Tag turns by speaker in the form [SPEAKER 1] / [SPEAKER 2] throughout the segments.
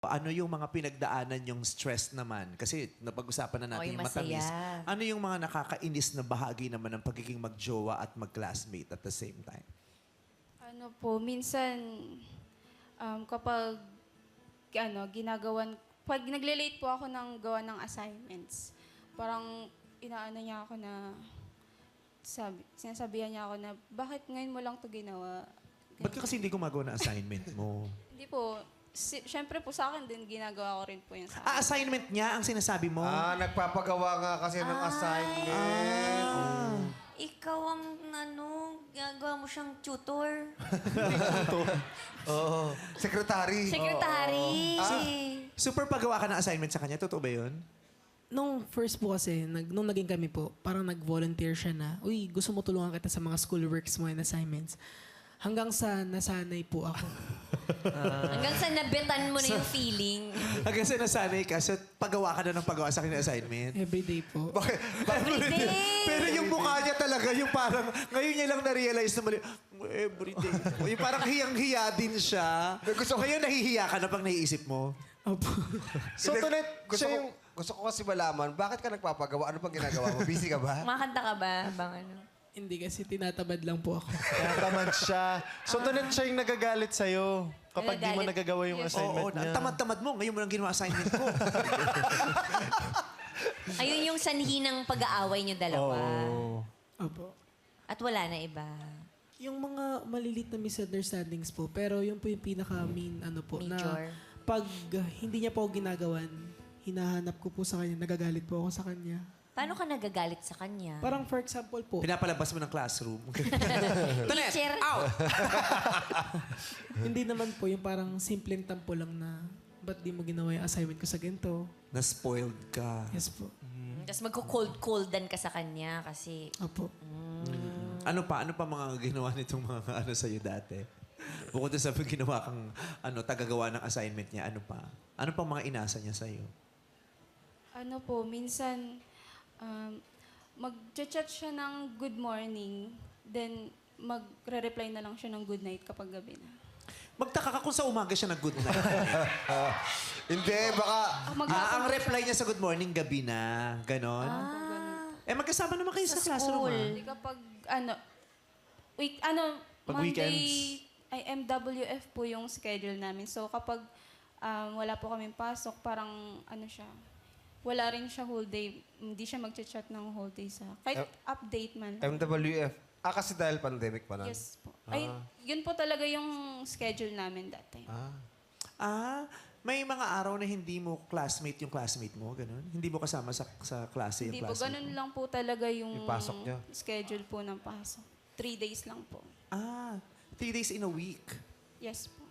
[SPEAKER 1] Ano yung mga pinagdaanan yung stress naman? Kasi napag-usapan na natin
[SPEAKER 2] yung
[SPEAKER 1] yung matamis.
[SPEAKER 2] masaya.
[SPEAKER 1] Ano yung mga nakakainis na bahagi naman ng pagiging magjowa at mag-classmate at the same time?
[SPEAKER 3] Ano po, minsan kapag pag nagle-late po ako ng gawa ng assignments, parang inaano niya ako na sinasabihan niya ako na bakit ngayon mo lang 'to ginawa?
[SPEAKER 1] Ba't ka kasi hindi gumagawa ng assignment mo?
[SPEAKER 3] Hindi po. Siyempre po sa akin din, ginagawa ko rin po yun sa akin.
[SPEAKER 1] Assignment niya ang sinasabi mo?
[SPEAKER 4] Nagpapagawa nga kasi ng assignment.
[SPEAKER 2] Ikaw ang ginagawa mo siyang tutor.
[SPEAKER 4] Oo. Secretary.
[SPEAKER 2] Secretary.
[SPEAKER 1] Super pagawa ka ng assignment sa kanya? Totoo ba yun?
[SPEAKER 5] Nung first po kasi, nung naging kami po, parang nag-volunteer siya na, uy, gusto mo tulungan kita sa mga schoolworks mo and assignments. Hanggang sa nasanay po ako.
[SPEAKER 2] Hanggang sa nabitan mo na yung feeling.
[SPEAKER 1] Hanggang sa nasanay ka, so pagawa ka na ng pagawa sa akin ng assignment?
[SPEAKER 5] Everyday po.
[SPEAKER 1] Bakit?
[SPEAKER 2] Everyday!
[SPEAKER 1] Pero yung mukha niya talaga, yung parang, ngayon niya lang na-realize na mali, everyday. Yung parang hiyang-hiya din siya. Ngayon nahihiya ka na pag naiisip mo.
[SPEAKER 5] Opo.
[SPEAKER 4] So, Tonet, gusto ko kasi malaman, bakit ka nagpapagawa? Ano pang ginagawa mo? Busy ka ba?
[SPEAKER 2] Makanta ka ba? Bang ano?
[SPEAKER 5] Hindi kasi tinatabad lang po ako.
[SPEAKER 6] Tinatamad siya. So, Tonet siya yung nagagalit sa'yo kapag di mo
[SPEAKER 2] Nagagalit.
[SPEAKER 6] nagagawa yung assignment
[SPEAKER 1] Oo,
[SPEAKER 6] niya.
[SPEAKER 1] ang tamad-tamad mo. Ngayon mo lang ginawa assignment ko.
[SPEAKER 2] Ayun yung sanhi ng pag-aaway niyo dalawa.
[SPEAKER 5] Opo.
[SPEAKER 2] At wala na iba.
[SPEAKER 5] Yung mga malilit na misunderstandings po, pero yung po yung pinaka-main na
[SPEAKER 2] Major.
[SPEAKER 5] pag hindi niya po ako ginagawan, hinahanap ko po sa kanya, nagagalit po ako sa kanya.
[SPEAKER 2] Paano ka nagagalit sa kanya?
[SPEAKER 5] Parang for example po,
[SPEAKER 1] Pinapalabas mo ng classroom. Tonet,
[SPEAKER 2] Teacher.
[SPEAKER 1] out!
[SPEAKER 5] hindi naman po yung parang simpleng tampo lang na, ba't di mo ginawa yung assignment ko sa ganito?
[SPEAKER 1] Na-spoiled ka.
[SPEAKER 5] Yes po.
[SPEAKER 2] Tapos magko-cold-coldan ka sa kanya kasi...
[SPEAKER 5] Opo.
[SPEAKER 1] Ano pa mga ginawa nitong mga ano sa'yo dati? Bukod sa ginawa kang tagagawa ng assignment niya, ano pa? Ano pa mga inasa niya sa'yo?
[SPEAKER 3] Ano po, minsan mag-chat siya ng good morning, then magre-reply na lang siya ng good night kapag gabi na.
[SPEAKER 1] Magtaka ka kung sa umaga siya nag-good night.
[SPEAKER 4] Hindi, baka...
[SPEAKER 1] Ang reply niya sa good morning, gabi na. Ganon. Magkasama naman kayo sa classroom.
[SPEAKER 3] Hindi kapag,
[SPEAKER 1] Pag
[SPEAKER 3] Monday,
[SPEAKER 1] weekends?
[SPEAKER 3] ay MWF po yung schedule namin. So kapag wala po kaming pasok, parang wala rin siya whole day. Hindi siya mag-chat ng whole day sa... Kahit update man.
[SPEAKER 4] MWF. Kasi dahil pandemic pa na.
[SPEAKER 3] Yes po. Ay, yun po talaga yung schedule namin that time.
[SPEAKER 1] May mga araw na hindi mo classmate yung classmate mo, ganun? Hindi mo kasama sa klase yung
[SPEAKER 3] Hindi po,
[SPEAKER 1] classmate
[SPEAKER 3] ganun
[SPEAKER 1] mo?
[SPEAKER 3] lang po talaga yung
[SPEAKER 4] Yung pasok niyo?
[SPEAKER 3] schedule po ng pasok. 3 days lang po.
[SPEAKER 1] 3 days in a week.
[SPEAKER 3] Yes po.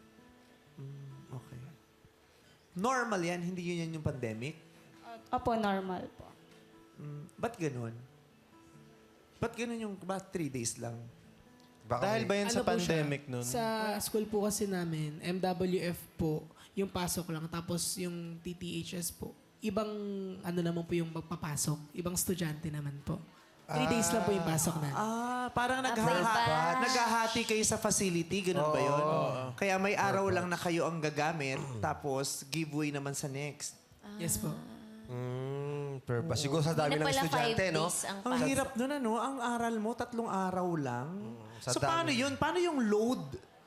[SPEAKER 1] Okay. Normal yan, hindi yun yung pandemic?
[SPEAKER 3] Opo, normal po.
[SPEAKER 1] Ba't ganun? Ba't ganun yung, 3 days lang?
[SPEAKER 4] Baka
[SPEAKER 6] Dahil ba yan sa
[SPEAKER 5] Ano po siya?
[SPEAKER 6] pandemic nun?
[SPEAKER 5] Sa school po kasi namin, MWF po, yung pasok lang. Tapos yung TTHS po, ibang naman po yung magpapasok. Ibang estudyante naman po. 3 days lang po yung pasok na.
[SPEAKER 1] Parang naghahati kayo sa facility, ganun ba yun? Kaya may araw lang na kayo ang gagamit, tapos giveaway naman sa next.
[SPEAKER 5] Yes po.
[SPEAKER 4] purpose. Siguro sa dami
[SPEAKER 2] Hindi na
[SPEAKER 4] ng
[SPEAKER 2] pala 5
[SPEAKER 4] estudyante, no?
[SPEAKER 2] days ang
[SPEAKER 1] Ang hirap nun, Ang aral mo, 3 araw lang.
[SPEAKER 4] Sa
[SPEAKER 1] So,
[SPEAKER 4] dami.
[SPEAKER 1] paano yun? Paano yung load?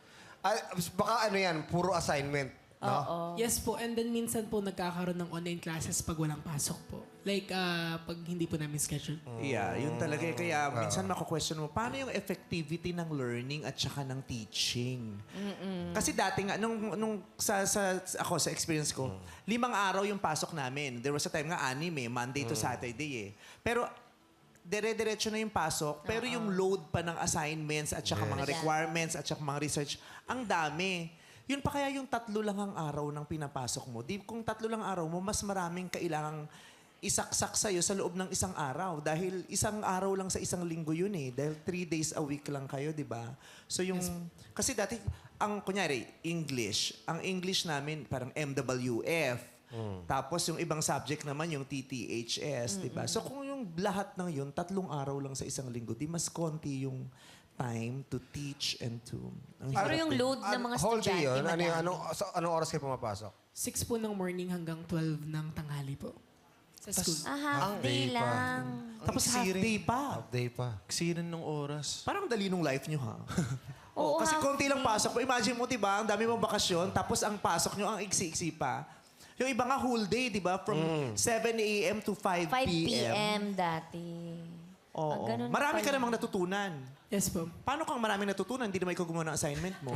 [SPEAKER 4] Baka puro assignment. No?
[SPEAKER 5] Yes po. And then minsan po nagkakaroon ng online classes pag walang pasok po. Like pag hindi po namin schedule.
[SPEAKER 1] Yeah, yun talaga. Kaya minsan mako-question mo, paano yung effectivity ng learning at saka ng teaching? Kasi dati nga, ako sa experience ko, 5 araw yung pasok namin. There was a time nga 6 Monday to Saturday Pero dire-diretso na yung pasok, pero yung load pa ng assignments at saka mga requirements at saka mga research, ang dami. Yun pa kaya yung 3 lang ang araw ng pinapasok mo. Kung 3 lang araw mo, mas maraming kailangang isaksak sa'yo sa loob ng 1 araw. Dahil 1 araw lang sa 1 linggo yun Dahil 3 days a week lang kayo, di ba? So yung... Kasi dati, kunyari, ang English namin parang MWF. Tapos yung ibang subject naman yung TTHS, di ba? So kung yung lahat ng yun, 3 araw lang sa 1 linggo, di mas konti yung time to teach and to...
[SPEAKER 2] Pero yung load ng mga
[SPEAKER 4] Whole day
[SPEAKER 2] estudyante,
[SPEAKER 4] yun?
[SPEAKER 2] madami.
[SPEAKER 4] Anong oras kayo pumapasok?
[SPEAKER 5] 6 po ng morning hanggang 12 ng tanghali po. Sa school.
[SPEAKER 2] Half day
[SPEAKER 4] day pa.
[SPEAKER 2] lang.
[SPEAKER 1] Tapos half day pa.
[SPEAKER 4] Update pa.
[SPEAKER 6] Sirin ng oras.
[SPEAKER 1] Parang dali nung life nyo, ha?
[SPEAKER 2] Oo,
[SPEAKER 1] kasi
[SPEAKER 2] half
[SPEAKER 1] konti lang pasok mo. Imagine mo, diba, ang dami mong bakasyon, tapos ang pasok nyo, ang iksi-iksi pa. Yung iba nga whole day, diba? From 7 a.m. to 5
[SPEAKER 2] 5
[SPEAKER 1] p.m.
[SPEAKER 2] p.m. dati.
[SPEAKER 1] Oo.
[SPEAKER 2] ganun
[SPEAKER 1] Marami ka
[SPEAKER 2] pala.
[SPEAKER 1] namang natutunan.
[SPEAKER 5] Yes po.
[SPEAKER 1] Paano kang maraming natutunan? Hindi naman ikaw gumawa ng assignment mo.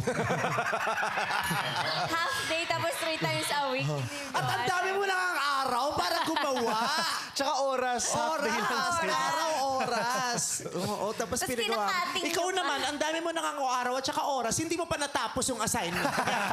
[SPEAKER 2] Half day tapos 3 times a week.
[SPEAKER 1] At ang dami mo lang ang araw para gumawa.
[SPEAKER 6] Tsaka oras. Half day lang
[SPEAKER 1] Oras!
[SPEAKER 6] sila.
[SPEAKER 1] Araw, oras. Oo, tapos
[SPEAKER 2] Tapos
[SPEAKER 1] pinagawa.
[SPEAKER 2] pinakating
[SPEAKER 1] Ikaw
[SPEAKER 2] nyo pa.
[SPEAKER 1] naman, ang dami mo nang araw at saka oras, hindi mo pa natapos yung assignment.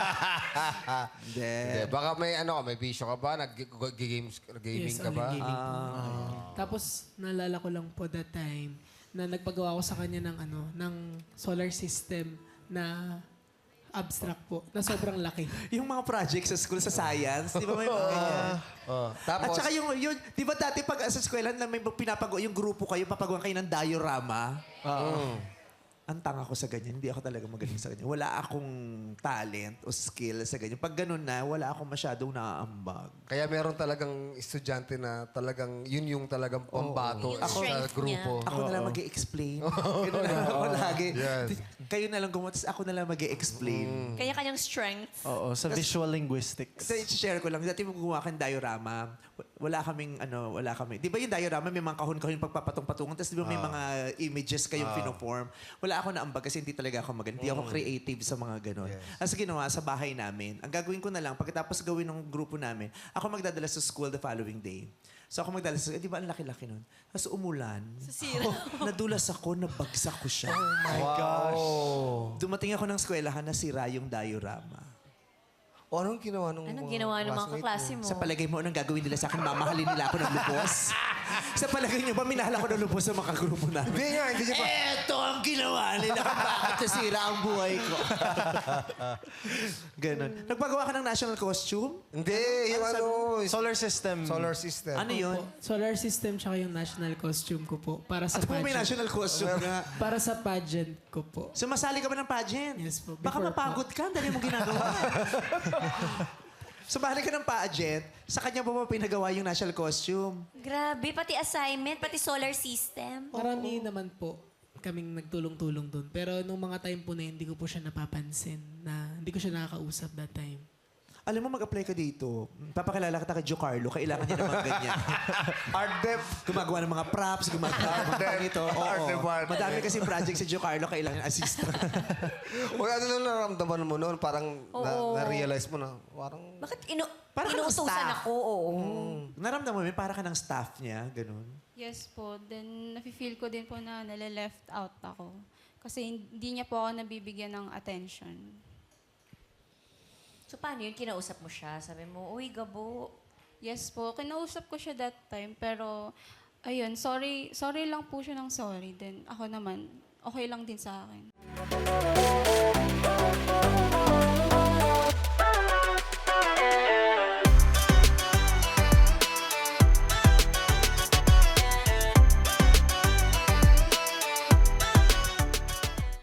[SPEAKER 4] Eh, baka may may bisyo ka ba? Gaming
[SPEAKER 5] Yes,
[SPEAKER 4] ka ba?
[SPEAKER 5] online gaming po. Tapos, naalala ko lang po that time na nagpagawa ko sa kanya ng solar system na abstract po, na sobrang laki.
[SPEAKER 1] Yung mga projects sa school, sa science, di ba may mga ganyan?
[SPEAKER 4] Tapos,
[SPEAKER 1] At saka yung, di ba dati pag sa eskwelahan na may yung grupo kayo, papagawa kayo ng diorama? Ang tanga ko sa ganyan. Hindi ako talaga magaling sa ganyan. Wala akong talent o skill sa ganyan. Pag ganun na, wala akong masyadong naaambag.
[SPEAKER 4] kaya meron talagang estudyante na talagang yun yung talagang pambato
[SPEAKER 2] Yung
[SPEAKER 4] sa
[SPEAKER 2] strength
[SPEAKER 4] grupo.
[SPEAKER 1] Ako na lang mag-i-explain. Ganun na lang ako lagi.
[SPEAKER 4] Yes.
[SPEAKER 1] Kayo na lang gumawa, tapos ako na lang mag-i-explain.
[SPEAKER 2] Kanya-kanyang strength.
[SPEAKER 6] Oo, sa visual linguistics.
[SPEAKER 1] So, i-share ko lang. Dati mo gumawa kang diorama, wala kaming. Di ba yung diorama, may mga kahon-kahon pagpapatong-patungan, tapos di ba may mga images kayong pinoform. Wala ako naambag kasi hindi talaga ako maganda. Hindi ako creative sa mga ganon. As ginawa sa bahay namin, ang gagawin ko na lang, pagkatapos gawin ng grupo namin, ako magdadala sa school the following day. So ako magdadala sa di ba ang laki-laki nun? Tapos umulan. Nadulas ako, nabagsak ko siya. Dumating ako ng eskwelahan, nasira yung diorama.
[SPEAKER 4] O anong ginawa nung
[SPEAKER 2] Anong ginawa ng mga kaklase mo?
[SPEAKER 1] Sa palagay mo, anong gagawin nila sa akin? Mamahalin nila ako ng lubos? Sa palagay niyo ba, minahal ako ng lubos sa mga grupo namin?
[SPEAKER 4] Hindi nga, hindi niya pa.
[SPEAKER 1] Eto ang ginawa nila kung bakit nasira ang buhay ko. Ganon. Nagpagawa ka ng national costume?
[SPEAKER 4] Hindi, yung
[SPEAKER 6] Solar system.
[SPEAKER 4] solar system.
[SPEAKER 1] Ano yun?
[SPEAKER 5] Solar system tsaka yung national costume ko po para sa
[SPEAKER 1] At po may
[SPEAKER 5] pageant.
[SPEAKER 1] national costume nga.
[SPEAKER 5] Para sa pageant ko po.
[SPEAKER 1] Sumasali ka ba ng pageant?
[SPEAKER 5] Yes po,
[SPEAKER 1] Baka
[SPEAKER 5] before
[SPEAKER 1] mapagod ka, ang dali mong ginagawa. Sumali ka ng pageant, sa kanya ba pinagawa yung national costume?
[SPEAKER 2] Grabe, pati assignment, pati solar system.
[SPEAKER 5] Marami naman po kaming nagtulong-tulong doon. Pero nung mga time po na yun, hindi ko po siya napapansin na hindi ko siya nakakausap that time.
[SPEAKER 1] Alam mo, mag-apply ka dito. Papakilala kita kay Giancarlo. Kailangan niya naman ganyan.
[SPEAKER 4] Art dep.
[SPEAKER 1] Gumagawa ng mga props, gumagawa ng mga ganito.
[SPEAKER 4] Art
[SPEAKER 1] Oo.
[SPEAKER 4] department.
[SPEAKER 1] Madami kasi project si Giancarlo, kailangan assistant.
[SPEAKER 4] O ano na naramdaman mo noon? Parang na-realize mo na, parang...
[SPEAKER 2] Bakit
[SPEAKER 1] Parang
[SPEAKER 2] inuutusan
[SPEAKER 1] staff.
[SPEAKER 2] ako? Oo.
[SPEAKER 1] Naramdaman mo, para ka ng staff niya, ganun.
[SPEAKER 3] Yes po. Then, nafe-feel ko din po na nale-left out ako. Kasi hindi niya po ako nabibigyan ng attention.
[SPEAKER 2] So, paano yun? Kinausap mo siya? Sabi mo, uy, Gabo.
[SPEAKER 3] Yes po. Kinausap ko siya that time. Pero, ayun, sorry lang po siya ng sorry. Then, ako naman, okay lang din sa akin.